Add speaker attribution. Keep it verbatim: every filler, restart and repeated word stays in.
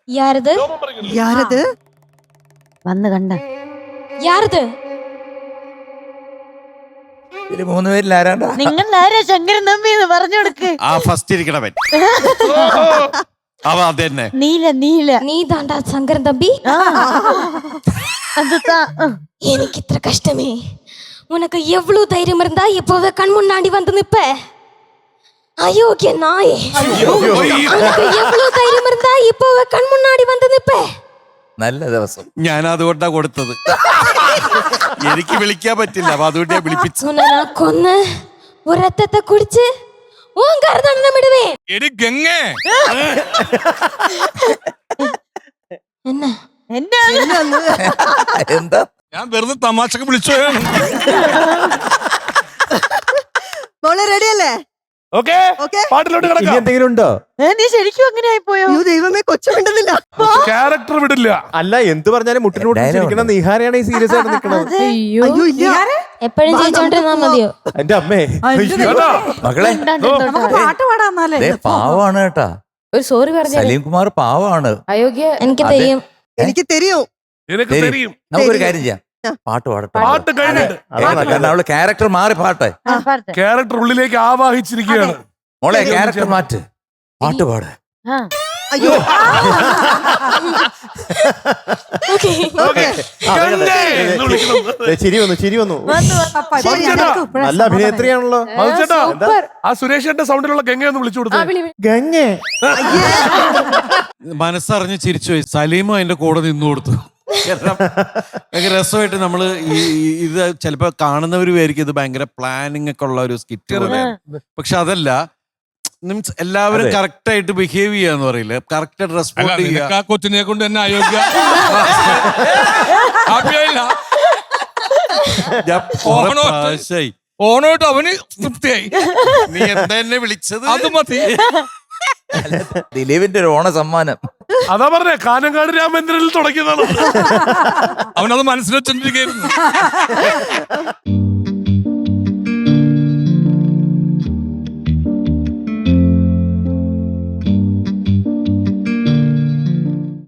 Speaker 1: யாரது
Speaker 2: யாரது
Speaker 3: വന്ന് കണ്ട
Speaker 1: யாரது
Speaker 4: ഇതില് മൂന്ന് പേരിൽ ആരാണ്ടാ?
Speaker 3: നിങ്ങൾ ആരാ ശങ്കരൻ തമ്പി എന്ന് പറഞ്ഞു കൊടുക്ക്.
Speaker 5: ആ ഫസ്റ്റ് ഇരിക്കണവൻ അവ അതന്നെ
Speaker 3: നീല നീല
Speaker 1: நீ தாண்டா சங்கரன் தம்பி.
Speaker 3: அதுதான்.
Speaker 1: எனக்கு இത്ര கஷ்டமே. உனக்கு எவ்வளவு தைரியம் இருந்தா இப்பவே கண் முன்னாடி வந்து நிப்ப? அயோக்கிய நாயே. உனக்கு எவ்வளவு தைரியம் இருந்தா இப்பவே கண் முன்னாடி வந்து நிப்ப?
Speaker 4: നല്ല ദിവസം.
Speaker 5: ഞാൻ അതുകൊണ്ടാ കൊടുത്തത്. എനിക്ക് വിളിക്കാൻ പറ്റില്ല, അപ്പൊ അതുകൊണ്ട് ഞാൻ വിളിപ്പിച്ചു.
Speaker 1: உன்னை நான் கொன்னு ஒரு ரத்தத்தை குடிச்சு உன் கருதண்டம் விடுவேன்.
Speaker 5: എടി ഗംഗേ,
Speaker 1: என்ன
Speaker 3: എന്നാണ്
Speaker 4: എന്താ?
Speaker 5: ഞാൻ വെറുതെ തമാശക്ക് വിളിച്ചോയാണ്.
Speaker 2: മോളെ റെഡിയല്ലേ?
Speaker 6: Okay
Speaker 2: okay.
Speaker 6: പാട്ടിലോട്ട്
Speaker 7: ഇനി
Speaker 6: കിടക്കാം.
Speaker 7: എന്തെങ്കിലും ഉണ്ടോ?
Speaker 3: ഏ, നീ ശരിക്കും അങ്ങനെ ആയിപ്പോയോ?
Speaker 2: അയ്യോ ദൈവമേ, കൊച്ചു മിണ്ടുന്നില്ല.
Speaker 6: ക്യാരക്ടർ വിടില്ല.
Speaker 7: അല്ല, എന്ത് പറഞ്ഞാലും മുട്ടിനോട്ടിരിക്കണ നിഹാരയാണ് ഈ സീരിയസ് ആയിട്ട് നിൽക്കുന്നത്.
Speaker 2: അയ്യോ ഇല്ല.
Speaker 1: എപ്പോഴും ജയിച്ചോണ്ടിരുന്നാ മതിയോ?
Speaker 7: എന്റെ അമ്മേ,
Speaker 6: കേട്ടോ?
Speaker 4: മകളെ
Speaker 2: പാട്ട് പാടാന്നാലേ.
Speaker 4: ദേ പാവാണ് കേട്ടാ.
Speaker 8: ഒരു സോറി പറഞ്ഞു.
Speaker 4: സലീം കുമാർ പാവാണ്.
Speaker 8: അയോഗ്യ.
Speaker 1: എനിക്ക്
Speaker 4: അതെ.
Speaker 1: തെയ്യം
Speaker 2: എനിക്ക് തെരിയും.
Speaker 6: നിനക്ക്
Speaker 4: ശരി.
Speaker 6: തെരിയും.
Speaker 4: നമുക്കൊരു കാര്യം ചെയ്യാം, പാട്ട് പാടട്ടെ.
Speaker 6: പാട്ട് കഴിഞ്ഞിട്ട്
Speaker 4: ഏ, കാരണം അവള് ക്യാരക്ടർ മാറി പാട്ടെ.
Speaker 6: ക്യാരക്ടർ ഉള്ളിലേക്ക് ആവാഹിച്ചിരിക്കുകയാണ്.
Speaker 4: മോളെ ക്യാരക്ടർ മാറ്റ്, പാട്ട് പാട്.
Speaker 2: അയ്യോ
Speaker 1: ഓക്കേ.
Speaker 2: ഓക്കെ.
Speaker 6: ഗംഗേ എന്ന് വിളിക്കണം.
Speaker 7: ദേ, ചിരി വന്നു ചിരി വന്നു.
Speaker 2: ശരി, ഞങ്ങൾക്ക്
Speaker 7: നല്ല അഭിനേത്രിയാണല്ലോ.
Speaker 6: മധുചേട്ടാ, ആ സുരേഷേട്ടന്റെ സൗണ്ടിലുള്ള ഗംഗ ഒന്ന് വിളിച്ചു കൊടുത്തു.
Speaker 7: ഗംഗേ,
Speaker 5: മനസ്സറിഞ്ഞ് ചിരിച്ചു പോയി. സലീമും അതിന്റെ കൂടെ നിന്നു കൊടുത്തു. കാരണം ഭയങ്കര രസമായിട്ട് നമ്മള് ഈ ഈ- ഇത് ചിലപ്പോ കാണുന്നവര് വിചാരിക്കും ഇത് ഭയങ്കര പ്ലാനിങ് ഒക്കെ ഉള്ള ഒരു സ്കിറ്റ് പോലെ, പക്ഷെ അതല്ല. മീൻസ് എല്ലാവരും
Speaker 4: അതെ.
Speaker 5: കറക്റ്റ് ആയിട്ട് ബിഹേവ് ചെയ്യാന്ന് പറയില്ല, കറക്റ്റ് ആയിട്ട് റെസ്പോണ്ട് ചെയ്യുക.
Speaker 9: ആ കൊച്ചിനെ കൊണ്ട് തന്നെ അയോഗ്യ ഹാപ്പിയായില്ല.
Speaker 5: ഞാൻ കുറെ
Speaker 9: ഓണോ?
Speaker 5: പ്രാവശ്യായി.
Speaker 9: ഓണോട്ട് അവന് തൃപ്തിയായി.
Speaker 5: നീ എന്താ എന്നെ വിളിച്ചത്?
Speaker 9: അത് മതി.
Speaker 4: ദിലീപിന്റെ ഒരു ഓണ സമ്മാനം.
Speaker 6: അതാ പറഞ്ഞേ, കാനങ്കാട് രാമേന്ദ്രനിൽ തുടങ്ങിയതാണ്.
Speaker 9: അവനത് മനസ്സിൽ വെച്ചോണ്ടിരിക്കുന്നു.